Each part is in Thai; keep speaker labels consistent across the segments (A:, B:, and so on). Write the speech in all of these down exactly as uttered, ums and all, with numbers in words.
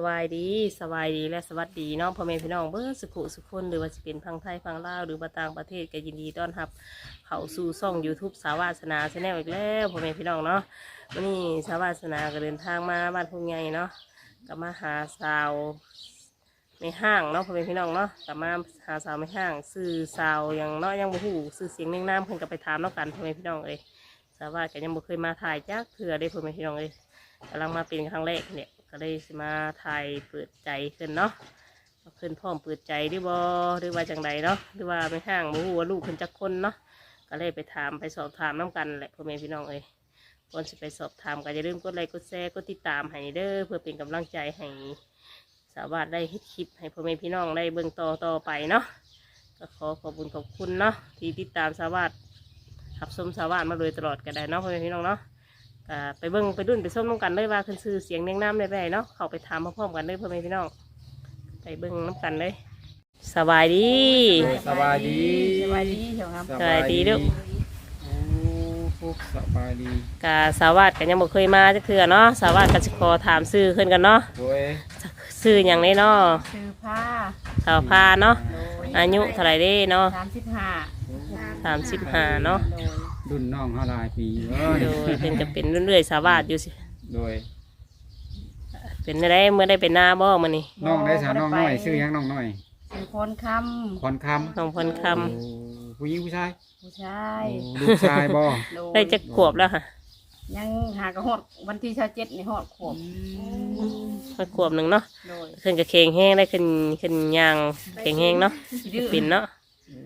A: บายดีสบายดีและสวัสดีน้องพ่อแม่พี่น้องเบิ้สุขุสุขคนหรือว่าจะเป็นพังไทยพังลาวหรือว่าต่างประเทศก็ยินดีต้อนรับเข้าสู่ช่อง ยูทูบ สาวาสนาชาแนลอีกแล้วพ่อแม่พี่น้องเนาะวันนี้สาวาสนาก็เดินทางมาบ้านทุ่งใหญ่เนาะก็มาหาสาวในห้างเนาะพ่อแม่พี่น้องเนาะก็มาหาสาวในห้างซื้อสาวอย่างเนาะยังบ่ฮู้ซื้อเสียงเน่งน้ำเพิ่นก็ไปถามเนาะกันพ่อแม่พี่น้องเอ้ยสาวาก็ยังบ่เคยมาถ่ายจักเทื่อได้พ่อแม่พี่น้องเอ้ยกำลังมาเป็นครั้งแรกเนี่ยก็เลยมาถ่ายเปิดใจขึ้นเนาะขึ้นพร้อมเปิดใจหรือบ่หรือว่าจังใดเนาะหรือว่าไม่ห่างหมูหัวลูกขึ้นจักคนเนาะก็เลยไปถามไปสอบถามน้ำกันแหละพ่อแม่พี่น้องเอ้ยก่อนจะไปสอบถามก็อย่าลืมกดไลค์กดแชร์กดติดตามให้เด้อเพื่อเป็นกำลังใจให้สาวาสได้เฮ็ดคลิปให้พ่อแม่พี่น้องได้เบิ่งต่อต่อไปเนาะก็ขอขอบคุณขอบคุณเนาะที่ติดตามสาวาสขับชมสาวาสมาโดยตลอดก็ได้เนาะพ่อแม่พี่น้องเนาะก็ไปเบิ้งไปดุนไปส้มน้ำกันเลยว่าขึ้นซื้อเสียงเนียงน้ำได้ไรเนาะเข้าไปถามพร้อมๆกันเลยพ่อแม่พี่น้องไปเบิ้งน้ำกันเลยสบายดี
B: สบายดี
C: สบายดีเฉยครับ
A: สบายดีลูก
B: โอ้ฟุกสบายดี
A: กาสาวาสกันยังบ่เคยมาจะคือเนาะสาวาสกันจะขอถามซื้อขึ้นกันเนาะ
B: โดย
A: ซื้ออย่างนี้เนาะ
C: ซื้อผ้า
A: สาวผ้าเนาะอายุเท่าไรเด้เนาะ
C: สามสิบห้า
A: สามสิบห้าเนาะ
B: รุ่นน้องเฮาหลายปี
A: โดยเป็นจะเป็นเรื่อยๆสาวาสอยู่สิ
B: โดย
A: เป็นได้เมื่อได้เป็นหน้าบ่มานี่
B: น้องได้สาวน้องน้อยชื่อยังน้องน้อย
C: ชื่อพรคำ
B: พรคำ
A: น้องพรค
B: ำผู้หญิงผู้ชาย
C: ผู้ชาย
B: ลูกชายบ่
A: ได้จะขวบแล้วค่ะ
C: ยังหากระหดวันที่เช้าเจ็ดในหอดขวบ
A: มาขวบหนึ่งเนาะขึ้นกับเคงแห้งได้ขึ้นขึ้นยางเคงแห้งเนาะปิ่นเนาะ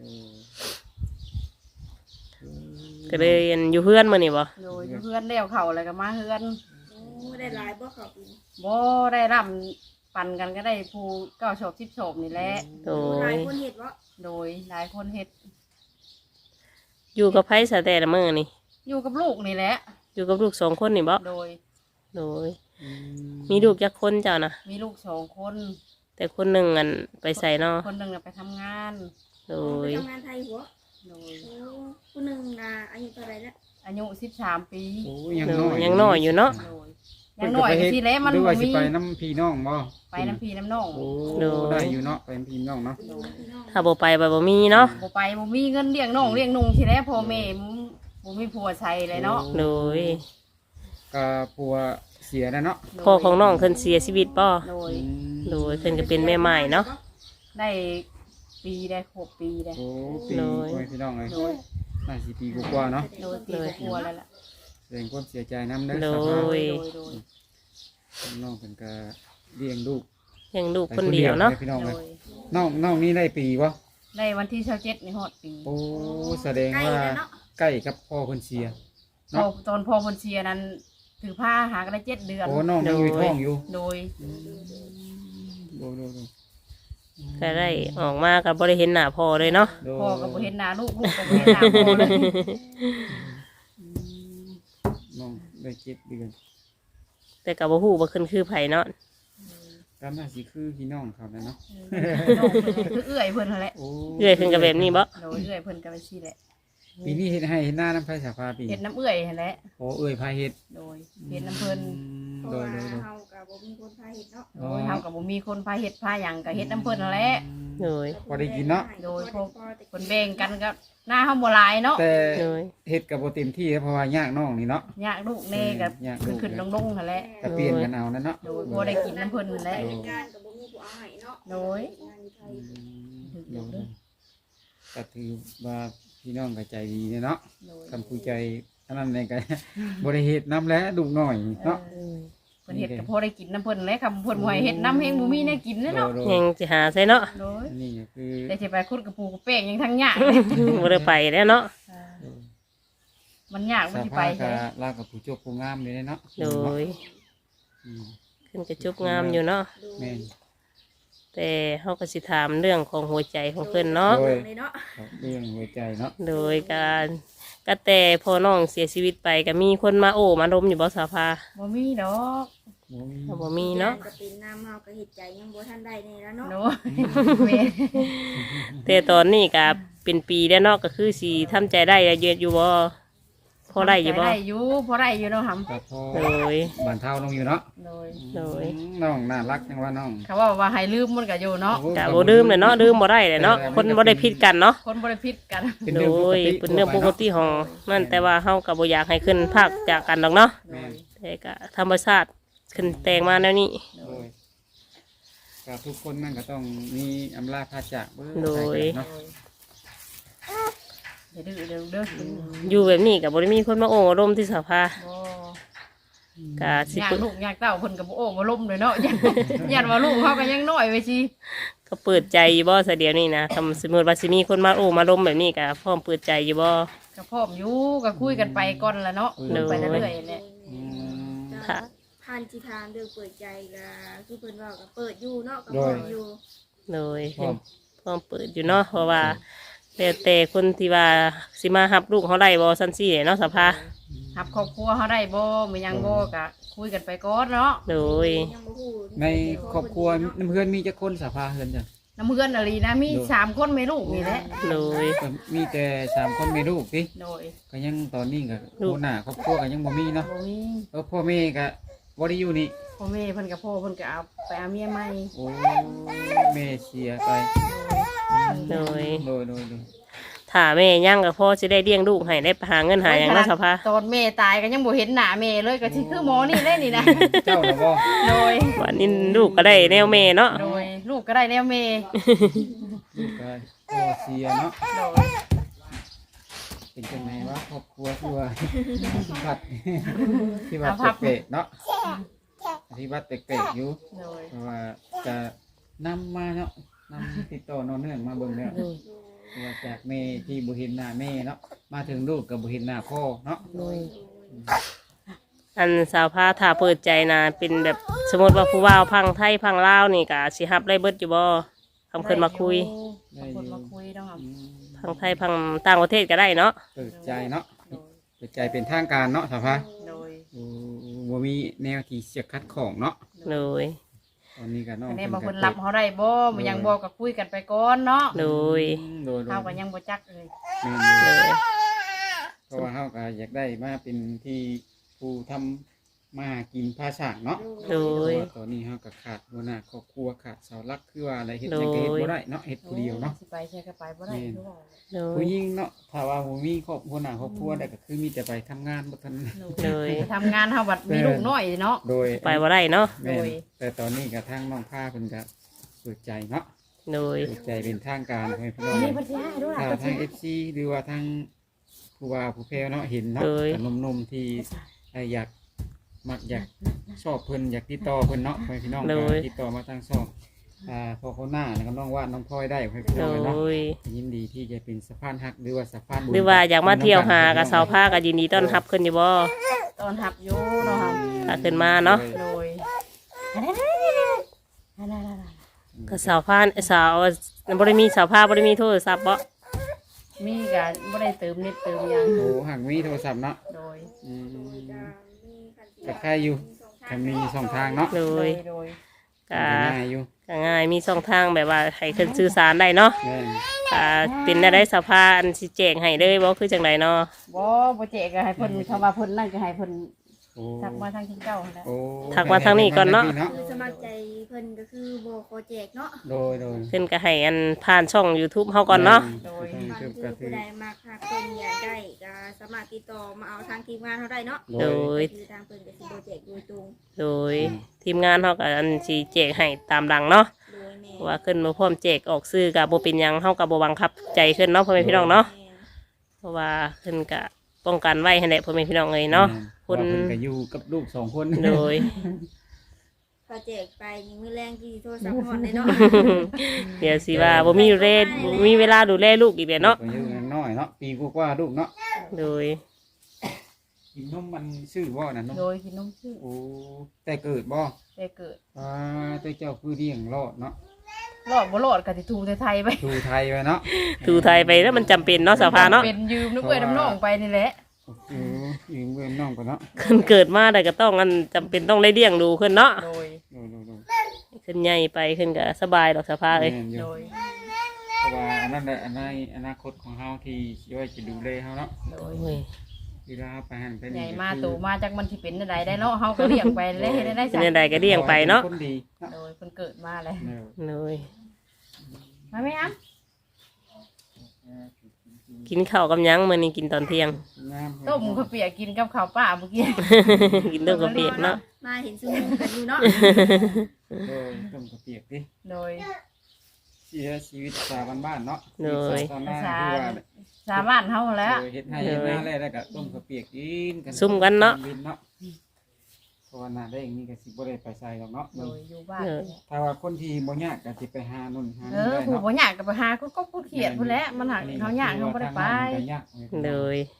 A: ก็เลยอยู่เพื่อนมานี่บ่
C: โดยอยู่เพื่อนเลี้ยวเข่าอะไรก็มาเพื่อน
D: ได้หลายบ่เขาปี
C: บ่ได้ร่ำปั่นกันก็ได้ผู้เก้าโฉบสิบโฉบนี่แหละ
A: โดย
D: หลายคนเห็ดวะ
C: โดยหลายคนเห็ด
A: อยู่กับไผ่สะแต่ละมื้อนี่
C: อยู่กับลูกนี่แหละ
A: อยู่กับลูกสองคนนี่บ่
C: โดย
A: โดยมีลูกจักคนเจ้านะ
C: มีลูกสองคน
A: แต่คนหนึ่งอันไปใส่เนาะ
C: คนหนึ่งไปทำงาน
A: โดย
D: ทำงานไทยหัวโดยคนหนึ่งนะอายุเท่าไรแล้ว
C: อายุสิบสามปี
A: ยังน้อยยังน้อยอยู่เนาะ
C: ยังน้อยทีแล้วมัน
B: บ่มีไปน้ำพี่น้องบ่
C: ไปน้ำพี่น้ำน้อง
B: โอ้ได้อยู่เนาะไปน้ำพี่น้องเนาะ
A: ถ้าบ่ไปบ่บ่มีเนาะ
C: บ่ไปบ่มีเงินเลี้ยงน้องเลี้ยงนุ่งทีแล้วพ่อแม่บ่มีผัวใช้เลยเนาะ
A: โดย
B: ก็ผัวเสียแล้วเนาะ
A: พ่อของน้องเพิ่นเสียชีวิตบ่
C: โดย
A: โดยเพิ่นก็เป็นแม่ใหม่เนาะ
C: ได้ปีได้หกปีได้
B: โอ้ปีพี่น้องเลยน่าสิปีกว่าเนาะ
C: โดยปีกว่าแล้วล่ะ
B: แสดงความเสียใจน้ำเด้อ
A: โดย
B: น้องเป็นกะเลี้ยงลูก
A: เลี้ยงลูกคนเดียวเนาะ
B: พี่น้องเลยน้องน้องนี่ได้ปีวะ
C: ได้วันที่เช้าเจ็ดในฮอดปี
B: โอ้แสดงว่าใกล้กับพ่อคนเชีย
C: เนาะตอนพ่อคนเชียนั้นถือผ้าหากันได้เจ็ดเดือน
B: โอ้น้องยังอยู่ท้องอยู่
C: โดย
B: โดยโดย
A: ก็ได้ออกมากับบริเห็นหน้าพ่อเลยเนาะ
C: พ่อกับบริเห็นหน้าลูกลูกกับบริเห็นหน้าพ่อเลย
B: น้องได้เจ็ดเดือน
A: แต่กับบ่ฮู้บ่ขึ้นคือไผเนาะ
B: กำน่าสิคือพี่น้องเขาเนาะ
C: คือเอื้อยเพิ่นนั่นแหละ
A: เอื้อยขึ้นกับแบบนี้บ่
C: โดยเอื้อยเพิ่นกับไปซี่แหละ
B: ปีนี้เห็ดให้เห็ดหน้าน้ำไผ่สาฟาปี
C: เห็ดน้ำเอื้อยนั่นแหละ
B: โอ้เอื้อยพายเห็ด
C: โดยเห็ดน้ำเพิ่น
D: โดยโดยเฮากับบ่มีคนพาเห็ดเนาะ
C: โดยเฮากับบ่มีคนพาเห็ดพาหยังกับเห็ดน้ำเพิ่นนั่นแหละ
A: โดย
B: พอได้กินเนาะ
C: โดยพวกคนแบ่งกันก็หน้าเฮาบ่หลายเนาะ
B: แต่เห็ดกับบ่เต็มที่เพราะว่ายากน้องนี่เนาะ
C: ยากลูกแน่กับขึ้นๆลงๆนั่นแหละ
B: ก็เปลี่ยนกันเอานั่นเนาะ
C: โดยบ่ได้กินน้ำเพิ่นนั่นแหละ
D: กับบ่มีผู้เอาให้เนาะ
C: โดย
B: ก็ถือว่าพี่น้องก็ใจดีเนาะคำคุยใจอันนั้นในกันบริเหตุน้ำแล้วดุหน่อยเนาะ
C: เพิ่นเฮ็ดกับพ่อได้กินน้ำเพิ่นแล้วคำเพิ่นบ่ให้เฮ็ดน้ำแห้งบ่มีแน่กินเนาะ
A: ยังสิหาใส่เนาะ
B: นี่คือ
C: ได้สิไปขุดกระปูกระเป้งยังทั้งยาก
A: บ่ได้ไปแล้วเนาะ
C: มันยากบ่สิไป
B: ใช่ลากกับผู้จบผู้งามเลยเนาะ
A: โดยขึ้นกระจุบงามอยู่เนาะแต่เขาก็สิถามเรื่องของหัวใจของเพิ่นเนาะ
B: เรื่องหัวใจเนาะ
A: โดยการก็แต่พอน้องเสียชีวิตไปก็มีคนมาโอ้มาดมอยู่บ่สาภา
C: บ่มีดอก
A: บ่มีเนาะ
D: ก็เป็นน้ำเฮาก็เฮ็ดใจยังบ่ทันได้นี่แล้วเนาะ
A: แต่ตอนนี้ก็เป็นปีแล้วเนาะก็คือสิทำใจได้เยอะอยู่บ่พอได้อยู่บ่
C: ได้อยู่พอได้อยู่เนาะหำ
B: ก็พอ
A: โดย
B: บ้านเท่าลงอยู่เนาะ
C: โดย
A: โดย
B: อืมน้องน่ารักจังว่าน้อง
C: เขาว่าว่าให้ลืมมันก็อยู่เนาะ
B: โอ้
A: กะบ่ดื่มเลยเนาะดื่มบ่ได้เลยเนาะคนบ่ได้ผิดกันเนาะ
C: คนบ่ได้ผิดกัน
B: เป็น
A: โด
B: เรื่องปก
A: ย
B: ติ
A: เป็นเรื่องปกติของนั่นแต่ว่าเฮาก็บ่อยากให้ขึ้นภาคจากกันดอกเนาะ
C: โดย
A: แต่ก็ธรรมชาติขึ้นแต่งมาแนวนี้
B: โดยก็ทุกคนนั่นก็ต้องมีอำลาพาจากเบิ่ง
A: โดย
B: เนาะ
C: เดี๋ยวดื้อเดี๋ยวเด้อกิน
A: อยู่แบบนี้ก็บ่ได้มีคนมาโอ้มาร่มที่สภา
C: บ่
A: ก็สิ
C: อยาก
A: เปิด
C: ลูกอยากเต้าเพิ่นก็บ่โอ้บ่ล้มเลยเนาะ ยันยันว่าลูกเขาก็ยังน้อยไว้สิ
A: ก็เปิดใจอยู่บ่ซะเดี๋ยวนี้นะคำสมมุติว่าสิมีคนมาโอ้มาร่มแบบนี้ก็พร้อมเปิดใจอยู่บ่
C: ก็พร้อมอยู่ก็คุยกันไปก่อนละเนาะคุยไปเรื่อยๆแหละ
B: อืม
A: ค่ะ
D: ผ่านจิทานเรื่องเปิดใจก็คือเพิ่นเว่าก็เปิดอยู่เนาะก็เปิดอยู่
A: โดย
B: พร้อม
A: พร้อมเปิดอยู่เนาะเพราะว่าแล้วแต่คนที่ว่าสิมารับลูกเขาได้บ่ซั่นซี่เนาะสภา
C: รับครอบครัวเขาได้บ่มีหยังบ่ก็คุยกันไปก่อนเนาะ
A: โดย
D: ยังบ่ฮู้
B: ในครอบครัวน้ำเพื่อนมีจักคนสภาเฮือนจ้ะ
C: น้ำเพื่อนอลีนะมีสามคนแม่ลูกนี่แหละ
A: โดย
B: ก็มีแต่สามคนมีลูกสิ
C: โดย
B: ก็ยังตอนนี้ก็
A: ลูก
B: หัวหน้าครอบครัวก็ยังบ่มีเนาะ
C: บ่มี
B: เออพ่อแม่ก็บ่ได้อยู่นี่
C: พ่อแม่เพิ่นกับพ่อเพิ่นก็เอาไปเอาเมียใหม่
B: โอ้แม่เสียไป
A: โดย
B: โดยโดยโดย
A: ถ้าแม่ยังก็พ่อสิได้เลี้ยงลูกให้ได้หาเงินหาหยังเนาะสภา
C: ตอนแม่ตายก็ยังบ่เห็นหน้าแม่เลยก็สิคือหมอนี่เลยนี่นะ
B: เจ้าน่ะบ่
C: โดย
A: วันนี้ลูกก็ได้แนวแม่เนาะ
C: โดยลูกก็ได้แนวแม่
B: ลูกก็พ่อเสียเนาะ
C: โดย
B: เป็นจังไงวะครอบครัวที่ว่า วัดที่วัดเปะๆเนาะที่วัดเปะๆอยู่
C: โดย
B: เพราะว่าจะนำมาเนาะนำติดต่อนอนเนื่องมาเบิ่งแล้วเพราะว่าจากแม่ที่บ่เห็นหน้าแม่เนาะมาถึงลูกก็บ่เห็นหน้าพ่อเนาะ
A: อันสาวพาถ้าเปิดใจนะเป็นแบบสมมติว่าผู้ว่าวพังไทยพังลาวนี่ก็สิรับได้เบิดอยู่บ่คำเพิ่นมาคุย
C: คำเพิ่นมาคุยเนาะครับ
B: อืม
A: พังไทยพังต่างประเทศก็ได้เนาะ
B: เปิดใจเนาะ
C: โดย
B: เปิดใจเป็นทางการเนาะสาวพา
C: โดย
B: โอ้บ่มีแนวที่เสียคัดของเนาะ
A: โดย
B: ตอนนี้ก็น้อง
C: อันนี้
B: เพิ่
C: บาง
B: น
C: คน
B: ก็
C: รับเขาได้บ่มันยังบ่ก็คุยกันไปก่อนเนาะ
A: โดย
B: อืมโดยโดย
C: เฮาก็ยังบ่จักเลย
B: แม่น
A: โด
B: อยู่
A: ย
B: เพราะว่าเฮาก็อยากได้มาเป็นที่ผู้ทำมาหากินภาษาเนาะ
A: โดย
B: เพราะว่าตอนนี้เฮาก็ขาดหัวหน้าครอบครัวขาดเสาหลักคือว่าอะไรเฮ็ดหยังก็เฮ็ดบ่ได้เนาะเฮ็ดผู้เดียวเนาะ
C: สิไปใช้ก็ไปบ่ได้คือว่า
A: โดย
B: ผู้หญิงเนาะถ้าว่าบ่มีครอบหัวหน้าครอบครัวได้ก็คือมีแต่ไปทำงานบ่ทัน
A: โดย
C: ไปทำงานเฮาบัดมีลูกน้อยเนาะ
B: โดย
A: ไปบ่ได้เนาะ
B: แม่น
C: โดย
B: แต่ตอนนี้ก็ทางน้องผ้าเพิ่นก็เปิดใจเนาะ
A: โดย
B: เปิดใจเป็นทางการให้พี่น้อ
C: อั
B: ง
C: นนี้เพิ่นสิให้ด้วย
B: ถ้า
C: ล่ะ
B: ทาง เอฟ ซี หรือว่าทางผู้ว่าผู้แพ้เนาะเห็นเนาะ
A: โดย
B: แต่หนุ่มๆที่เอ่ออยากมักอยากชอบเพิ่นอยากติดต่อเพิ่นเนาะให้พี่น้องก็ติดต่อมาทางช่องอ่าพอคนหน้าแล้วก็น้องวาดน้องพลอยได้ให้พี่
A: โด
B: น้องเนาะ
A: ย
B: ยินดีที่จะเป็นสะพานหักหรือว่าสะพานบุญ
A: หรือว่าอยากมาเที่ยวหากับสาวผ้าก็ยินดีต้อนรับขึ้นอยู่บ่
C: ตอนหับอยู่เนาะครับ
A: ถ้าขึ้นมาเนาะ
C: โดยอันนั้นอันนั้นอันนั้น
A: ก็สาวผ้าสาวบ่ได้มีสาวผ้าบ่ได้มีโทรศัพท์บ่
C: มีก็บ่ได้เติมเน็ตเติมหยัง
B: โอ้หักมีโทรศัพท์เนาะ
C: โดย
B: อืม
D: จะมีคัน
B: ก็ใครอยู่ก็มีสองทางเนาะ
A: โด
C: โด
A: ย
C: ยโดย
A: ก็
B: ง่ายอยู่
A: ก็ง่ายมีช่องทางแบบว่าให้ขึ้นสื่อสารได้เนาะ
B: แม่น
A: อ่าเป็นได้ได้สภาอันสิแจงให้เลยบ่คือจังไดเนาะ
C: บ่บ่เจก็ให้เพิ่นคำว่าเพิ่นนั่นก็ให้เพิ่น
B: โอ้
C: ทักมาทางที่เจ้าหั่นแหละ
B: โอ้
A: ทักมาทางนี้ก่อนเนาะ
D: คือสมัครใจเพิ่นก็คือบ่ขอแจกเนาะ
B: โดยโดย
A: เพิ่นก็ให้อันผ่านช่อง YouTube เฮาก่อนเนาะ
C: โดย
B: ทาง
D: บาง
B: YouTube
D: ที
B: ก็คื
D: ผู้
B: อ
D: ใดมาหากเพิ่นอยากได้ก็สามารถติดต่อมาเอาทางทีมงานเฮาได้เนาะ
B: โด
A: โด
B: ย
A: ย
D: คือทางเพิ่นก็สิบ่แจกโดยตรง
A: โดยทีมงานเฮาก็อันสิแจกให้ตามหลังเนาะ
D: โดยแม่
A: ว่าขึ้นมาพร้อมแจกออกซื้อก็บ่เป็นหยังเฮาก็บ่บังคับใจขึ้นเนาะพ่อแม่พี่น้องเนาะ
D: แม่
A: เพราะว่าขึ้นก็ป้องกันไว้ให้แหละพ่อแม่พี่น้องเอ้ยเนาะ
B: คน
A: คน
B: ก็อยู่กับลูกสองคน
A: โดย
D: ก็แจกไปนี่มื้อแรงที่โทรศัพท์ฮอดเลยเนาะ
A: เดี๋ยวสิว่าบ่มีเรศบ่มีเวลาดูแลลูกอีกแล้วเนาะ
B: ก็อยู่กันน้อยเนาะปีกว่าๆลูกเนาะ
A: โดย
B: กินนมมันชื่อว่าน่ะนม
C: โดยกินนมชื่อ
B: โอ้แต่เกิดบ่
C: แต่เกิด
B: อ่าแต่เจ้าคือเลี้ยงรอดเนาะ
C: รอดบ่รอดก็สิทูไทยๆไป
B: ดูไทยไปเนาะ
A: ถูไทยไปแล้วมันจำเป็นเนาะสภาเนาะ
C: เป็นยืมนึกเว้ยน้ำน้องไปนี่แหละ
B: โอ้โหยืมเงินน้องไปเนาะ
A: ขึ้นเกิดมาได้ก็ต้องอันจำเป็นต้องได้เลี้ยงดูขึ้นเนาะ
C: โดย
B: ดูดูดู
A: ขึ้นใหญ่ไปขึ้นก็สบายดอกสภาเอ้ย
B: แม่นอยู่
C: โดย
B: เพราะว่าอันนั้นแหละอันในอนาคตของเฮาที่ช่วยจะดูแลเฮาเนาะ
C: โดย
A: โอ้ย
B: เวลาไปหันไป
C: ให
B: นี่
C: ญ่มาโตมาจากมันสิเป็นจังไดได้เนาะเฮาก็เลี้ยงไปเลยได้ได้
A: เป็นใดก็เลี้ยงไปเนาะ
B: คนดีเนาะ
C: โดยเพิ่นเกิดมาเลย
B: เออ
A: เลย
C: มาไหมอ้ำ
A: กินข้าวกับหยังมื้อนี้กินตอนเที่ยง
B: งาม
C: ต้มข้าวเปียกกินกับข้าวป้าเมื่อกี้
A: กินต้มกระเปียกเนาะ
D: มาเห็นซุ่มกันอยู่เนาะ
B: โดยต้มกระเปียกดิ
C: โดย
B: เสียชีวิตชาวบ้านๆเนาะ
A: โดย
B: ชาวนา
C: ภาษา
B: คือว่า
C: ชาวบ้านเฮาแล้ว
B: โดยเฮ็ดให้เฮ็ดหน้าแล้วแล้วก็ต้มกระเปียกกินกัน
A: ซุ่มกันเนาะ
B: วิเนาะเพราะว่าหน้าได้อย่างนี้ก็สิบ่ได้ไปใส่หรอกเนาะ
C: โดยอยู่บ้าน
B: ถ้าว่าคนที่บ่ยากก็สิไปหานู่นหา
C: เอ
B: นี่
C: อ
B: ได้
C: ผู้
B: เนาะ
C: บ่อยากก็ไปหาก็ก็พูดเขียดพุ่นแหละมันหักเฮายากเฮาบ่ได้ไป
B: ยาก
A: เลย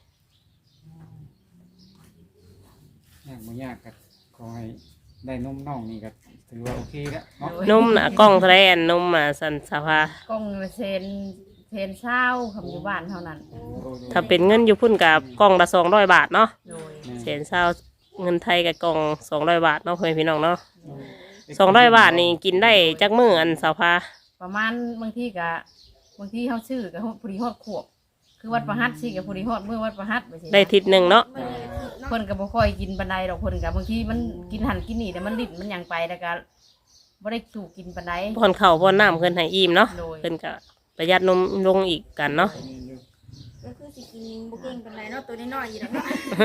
B: ยากบ่ยากก็ขอให้ได้นมน้องนี่ก็ถือว่าโอเคแล้วเนาะ
A: นมน่ะกล้องเท่าไหร่อันนมอ่ะสันสภาก
C: ล้องเซนเซนเช้าคำอยู่บ้านเท่านั้น
A: ถ้าเป็นเงินอยู่พุ่นกับกล้องละสองร้อยบาทเนาะ
C: โดย
A: เศษเศร้าเงินไทยกับกล่องสองร้อยบาทเนาะเพื่อนพี่น้องเนาะสองร้อยบาทนี่กินได้จักมื้ออันสาวพา
C: ประมาณบางทีก็บางทีเฮาซื้อก็พอดีฮอดขวบคือวัดประหัตสิก็พอดีฮอดมื้อวัดประหัตไปสิ
A: ได้ทิศหนึ่งเนาะ
D: มันเลยคิดเนาะ
C: เพิ่นก็บ่ค่อยกินปานใดดอกเพิ่นก็บางทีมันกินหันกินนี่แต่มันลิ้นมันหยังไปแล้วก็บ่ได้ถูกกินปานใด
A: พอนเข่าวพอนน้ำเพิ่นให้อิ่มเนาะ
C: โดย
A: เพิ่นก็ประหยัดนมลงอีกกันเนาะ
D: ก็คือสิกินบ่เก่งปานใดเนาะตัวน้อยๆอยู่แล้วเนาะ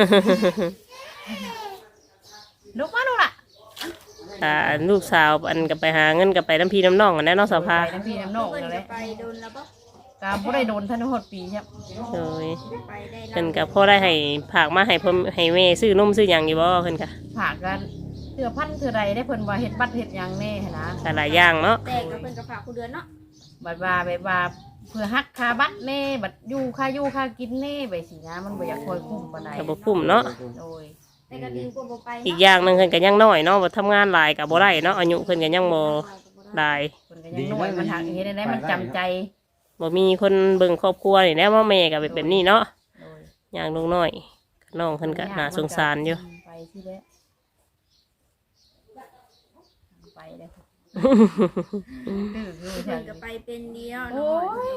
C: ลูกมาลูกล่ะ
A: อ่าลูกสาวอันก็ไปหาเงินก็ไปน้ำพี่น้ำน้องกันแน่เนาะสาวพา
C: ไปน้ำพี่น้ำน้อง
D: เพิ่น
C: นั่นแห
D: จะ
C: ละ
D: ไปโดนแล้วบ่
C: ก็บ่ได้โดนทันฮอดปีครับ
A: โดย
D: ไปได้
A: เพิ่นก็พอได้ให้ผากมาให้เพิ่นให้แม่ซื้อนมซื้อหยังอยู่บ่เพิ่นก็
C: ฝากกันเทื่อพันเทื่อใดได้เพิ่นว่าเฮ็ดบัตรเฮ็ดหยังแน่หั้นนะ
A: ก็หลายอย่างเนาะ
D: แต่ก็เพิ่นก็ฝากผู้เดือนเนาะ
C: บัดว่าแบบว่าเพื่อฮักค่าบัตรแน่บัดอยู่ค่าอยู่ค่ากินแน่ไปสินะมันบ่อยากคอยคุ้มปานใด
A: ก็บ่คุ้มเนาะ
C: โดย
D: แต่ก็ดีกว่าบ่ไป
A: อีกอย่างหนึงเพิ่นก็ยังน้อยเนาะบ่ทำงานหลายก็บ่ได้เนาะอายุเพิ่นก็ยังบ่หลาย
C: เพิ่นก็ยังน้อยมันหักเฮ็ดได้มันจำใจ
A: บ่มีคนเบิ่งครอบครัวนี่แหล้วว่าแม่ก็เป็นแบบนี้เนาะ
C: โดย
A: อย่างลูกน้อยน้องเพิ่นก็น่าสงสารอยู่
C: ไปที่แล้วไปเลยดื้อคือ
D: เพิ่
C: ฉั
D: น
C: น
D: ก็ไปเป็นเดียว
C: โอ้
D: เนาะ
C: ย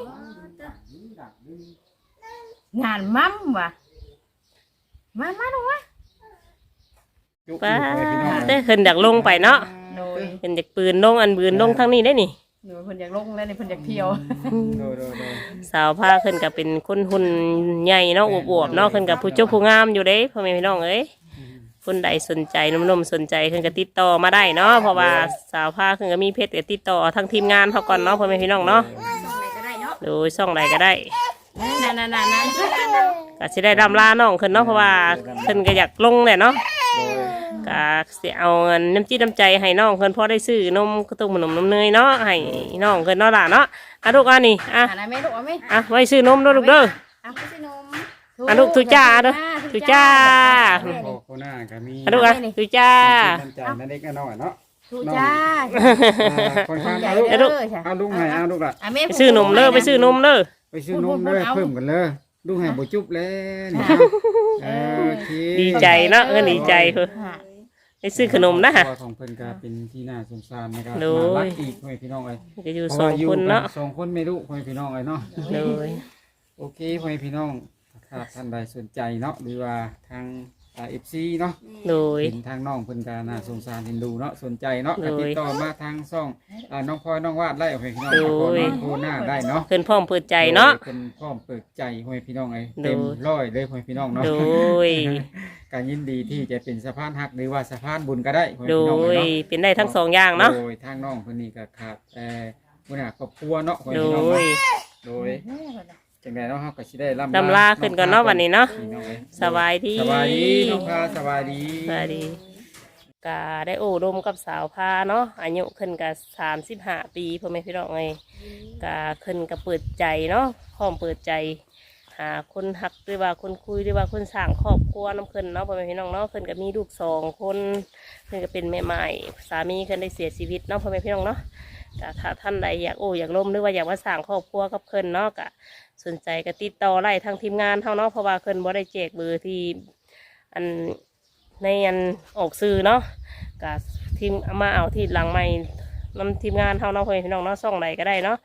C: งานมั่มว่ะมามาดูวะ
B: จุก
A: ป้า
B: อยู่ไปพี่น้อง
A: แต่เพิ่นอยากลงไปเนาะ
C: โดย
A: เพิ่นอยากปืนลงอันปืนลงทางนี้ได้นี่
C: หนูเพิ่นอยากลงแล้วนี่เพิ่นอยากเที่ยว
B: โดยโดยโดย
A: สาวพาเพิ่นก็เป็นคนหุ่นใหญ่เนาะอวบๆเนาะเพิ่นก็ผู้เจ้าผู้งามอยู่เด้พ่อแม่พี่น้องเอ้ยคนใดสนใจหนุ่มๆสนใจเพิ่นก็ติดต่อมาได้เนาะเพราะว่าสาวพาเพิ่นก็มีเพจก็ติดต่อทางทีมงานเขาก่อนเนาะพ่อแม่พี่น้องเนาะ
D: ส่งไหนก็ได้เนาะ
A: โดยช่องใดก็ได้
C: นั่นนั่นนั่นนั่น
A: ก็สิได้ดำลาน้องเพิ่นเนาะเพราะว่าเพิ่นก็อยากลงแหละเนาะ
B: โดย
A: ก็สิเอาเงินน้ำจิตน้ำใจให้น้องเพิ่นพอได้ซื้อนมกระตุ้มขนมนมเนยเนาะให้น้องเพิ่นเนาะล่ะเนาะอ่ะลูกอ่ะนี่อ่ะ
C: อ่าแม่ลูกเอาไหม
A: อ่ะไว้ซื้อนมเด้อลูกเด้อ
D: เอาไปสินม
A: อ่ะลูกทุจ้าเด้อทุจ้า
B: โอ้โคน่าก็มี
A: อ่ะลูกอ่ะทุจ้า
B: น้ำใจนั่นเล็กน้อยเนาะ
C: ทุจ้า
B: อ่าคนข้างเอาลูก
A: เดี๋ยวลูก
B: เอาลูกให้เอาลูกละ
C: อ่ะแม่
A: ไปซื้อนมเด้อไปซื้อนมเด้อ
B: ไปซื้อนมเลยเพิ่มกันเลยลูกให้บ่จุ๊บแล้วนี่เออโอเค
A: ดีใจเนาะเพิ่นดีใจเพิ่นไปซื้อขนมนะ
B: พ่อของเพิ่นก็เป็นที่น่าสงสารนะครับ
A: โดย
B: น่ารักอีกพ่อแม่พี่น้องเอ้ย
A: ก็อยู่
B: เพ
A: ส
B: ราะ
A: อง
B: ว่ายู่
A: คนเนาะ
B: กัสองคนไม่รู้พ่อแม่พี่น้องเอ้ยเนาะ
A: โดย
B: โอเคพ่อแม่พี่น้องถ้าท่านใดสนใจเนาะหรือว่าทางอ่า เอฟ ซี เนาะ
A: โดย
B: เห็นทางน้องเพิ่นก็น่าสงสารเห็นดูเนาะสนใจเนาะ
A: โด
B: ก็
A: ย
B: ติดต่อมาทางช่องอ่าน้องพลอยน้องวาดไล่พ่อแม่พี่น้อง
A: โดย
B: น้องโคหน้าได้เนาะ
A: เพิ่นพร้อมเปิดใจเนาะ
B: โดยเพิ่นพร้อมเปิดใจพ่อแม่พี่น้องเอ้ย
A: โดย
B: เต็มร้อยเลยพ่อแม่พี่น้องเนาะ
A: โดย
B: การยินดีที่จะเป็นสะพานหักหรือว่าสะพานบุญก็ได้พ่อแม่
A: โด
B: พี่น้องเอ้
A: ย
B: ยเนาะ
A: เป็นได้ทั้งสองอย่างเนาะ
B: โดยทางน้องเพิ่นนี่ก็ขาดแต่หัวหน้าครอบครัวเนาะพ่อแม่
A: โด
B: พี่น้อง
A: ย
B: เนาะโดยจังไดเนาะเฮาก็สิได้ล่ำ
A: ลำลาขึ้นก่อนเนาะวันนี้เนาะ
B: พี่น้องเอ้ย
A: สบายดี
B: สบายดีน้องพาสบายดี
A: สวัสดีกาได้โอ้ดมกับสาวพาเนาะอายุขึ้นกับสามสิบห้าปีพ่อแม่พี่น้องไงกาขึ้นกับเปิดใจเนาะพร้อมเปิดใจ หาคนหักหรือว่าคนคุยหรือว่าคนสร้างครอบครัวน้ำขึ้นเนาะพ่อแม่พี่น้องเนาะขึ้นกับมีลูกสองคนขึ้นก็เป็นแม่ใหม่สามีขึ้นได้เสียชีวิตเนาะพ่อแม่พี่น้องเนาะกถ้าท่านใดอยากโอ้อยากล้มหรือว่าอยากมาสร้างครอบครัวกับขึ้นเนาะกะสนใจก็ติดต่อไล่ทางทีมงานเท่าเนาะเพราะว่าขึ้นบ่ได้แจกเบอร์ที่อันในอันออกซื้อเนาะ กับทีมเอามาเอาที่หลังใหม่นำทีมงานเท่าน้องเพื่อนพี่น้องเนาะส่องใดก็ได้เนาะ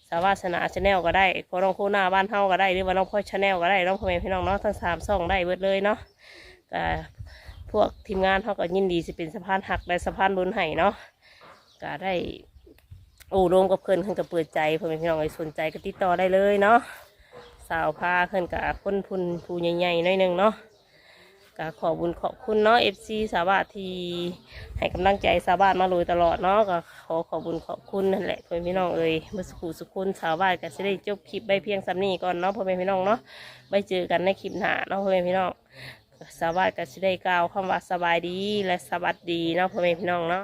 A: สาวาสนาชาแนลก็ได้พอน้องโคหน้าบ้านเฮาก็ได้หรือว่าน้องพ่อชาแนลก็ได้น้องพ่อแม่พี่น้องเนาะทั้งสามช่องได้เบิดเลยเนาะก็พวกทีมงานเขาก็ยินดีสิเป็นสะพานหักและสะพานบุญให้เนาะก็ได้โอ้รวมกับเพื่อนเพื่อนก็เปิดใจพ่อแม่พี่น้องไอ้สนใจก็ติดต่อได้เลยเนาะสาวพาเพื่อนกับคนพุนผู้ใหญ่ๆหน่อยหนึงเนาะก็ขอบุญขอบคุณเนาะเอฟซีสาวาที่ให้กำลังใจสาวามาโดยตลอดเนาะก็ขอขอบุญขอบคุณนั่นแหละพ่อแม่พี่น้องเอ้ยเมื่อสักครู่สุขุนสาวาก็จะได้จบคลิปใบเพียงสำนี้ก่อนเนาะพ่อแม่พี่น้องเนาะไปเจอกันในคลิปหน้าเนาะพ่อแม่พี่น้องสาวาก็จะได้กล่าวคำว่าสบายดีและสวัสดีเนาะพ่อแม่พี่น้องเนาะ